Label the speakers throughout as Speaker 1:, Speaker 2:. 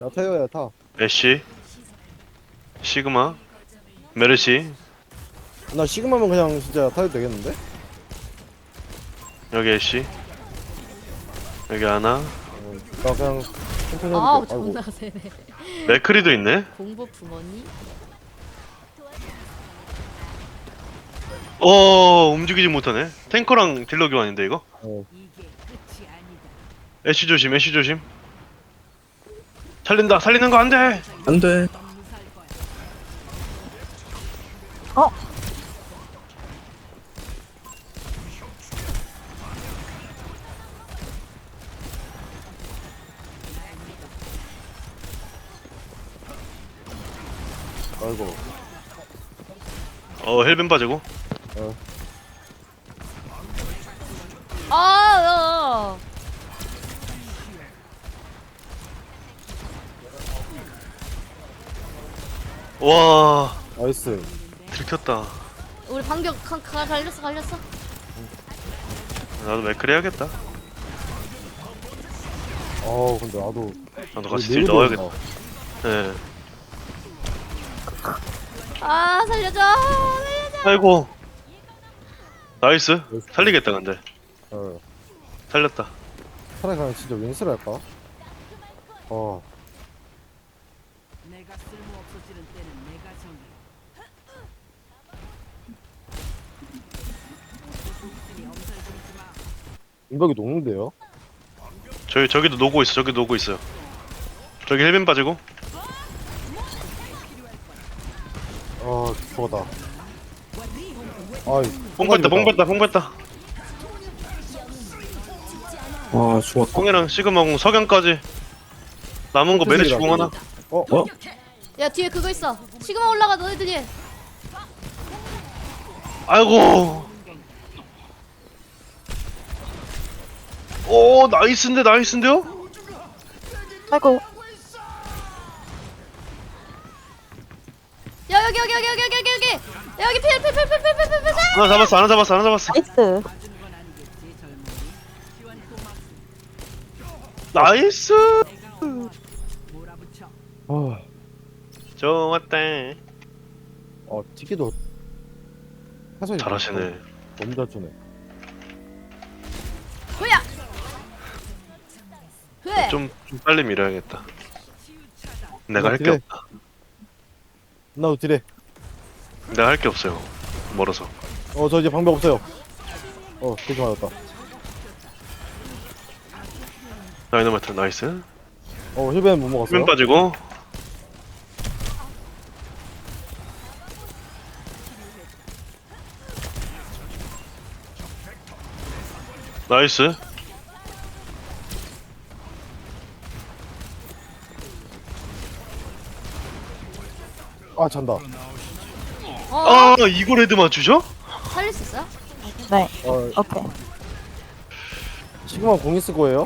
Speaker 1: 야타요 야타.
Speaker 2: 애쉬 시그마 메르시
Speaker 1: 나 시그마면 그냥 진짜 야타도 되겠는데?
Speaker 2: 여기 애쉬 여기 하나
Speaker 1: 나 그냥 천천히
Speaker 3: 아우
Speaker 1: 해볼게. 아이고.
Speaker 3: 존나 세네.
Speaker 2: 맥크리도 있네.
Speaker 3: 공보 부모니?
Speaker 2: 움직이지 못하네. 탱커랑 딜러 교환인데 이거.
Speaker 1: 어.
Speaker 2: 애쉬 조심 애쉬 조심. 살린다 살리는 거 안돼.
Speaker 4: 안돼.
Speaker 1: 아이고.
Speaker 2: 헬벤 빠지고.
Speaker 3: 아,
Speaker 2: 와
Speaker 1: 나이스.
Speaker 2: 들켰다.
Speaker 3: 우리 반격 갈렸어.
Speaker 2: 나도 맥크리 해야겠다.
Speaker 1: 근데 나도
Speaker 2: 나도 같이 딜 넣어야겠다. 네.
Speaker 3: 아 살려줘.
Speaker 2: 아이고 나이스. 살리겠다 근데.
Speaker 1: 어.
Speaker 2: 살렸다.
Speaker 1: 차라리 그냥 진짜 윈스를 할까?
Speaker 5: 내가 쓸모 없어지는 때는 내가 정해. 엄살 부리지 마.
Speaker 1: 인박이 녹는데요?
Speaker 2: 저기도 노고 있어. 저기 노고 있어요. 저기 헬벤 빠지고.
Speaker 1: 죽어다. 아이.
Speaker 2: 뽕 뺐다.
Speaker 4: 와 죽었다.
Speaker 2: 뽕이랑 시그마공 석양까지. 남은 거 메르시 공 하나.
Speaker 3: 야 뒤에 그거 있어. 시그마 올라가 너희들 뒤에.
Speaker 2: 아이고. 오 나이스인데요?
Speaker 6: 아이고.
Speaker 3: 야 여기. 야, 여기 필.
Speaker 2: 하나 잡았어.
Speaker 6: 나이스.
Speaker 2: 나이스.
Speaker 5: 몰아붙여.
Speaker 2: 좋았다.
Speaker 1: 티키도 해설이
Speaker 2: 잘하시네.
Speaker 1: 너무 잘 주네.
Speaker 3: 뭐야? 왜?
Speaker 2: 좀 빨리 밀어야겠다. 내가 할 게
Speaker 1: 그래.
Speaker 2: 없다.
Speaker 1: 나도 딜해.
Speaker 2: 내가 할 게 없어요. 멀어서.
Speaker 1: 저 이제 방법 없어요. 되게 맞았다.
Speaker 2: 다이너마이트 나이스.
Speaker 1: 힐벤 못 먹었어요?
Speaker 2: 헬벤 빠지고. 나이스.
Speaker 1: 잔다.
Speaker 2: 이걸 헤드 맞추죠?
Speaker 3: 살릴 수 있어요?
Speaker 6: 네.
Speaker 1: 어,
Speaker 6: 오케이.
Speaker 1: 시그마 공 있을 거예요?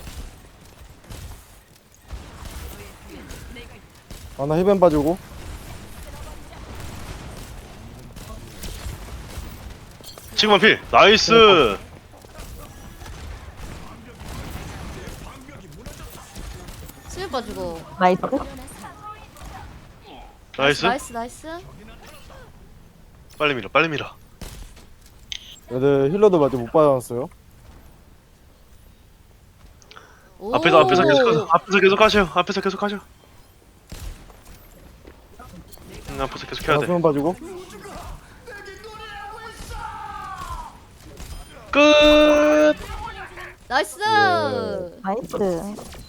Speaker 1: 나 힐벤 빠지고.
Speaker 2: 시그마 필. 나이스.
Speaker 3: 수면 빠지고.
Speaker 6: 나이스.
Speaker 2: 나이스.
Speaker 3: 나이스.
Speaker 2: 빨리 밀어.
Speaker 1: 애들 힐러도 아직 못 받아놨어요.
Speaker 3: 오.
Speaker 2: 앞에서 계속 하셔. 앞에서 계속 해야 돼.
Speaker 1: 수면 빠지고.
Speaker 2: 끝.
Speaker 3: 나이스.
Speaker 6: 나이스.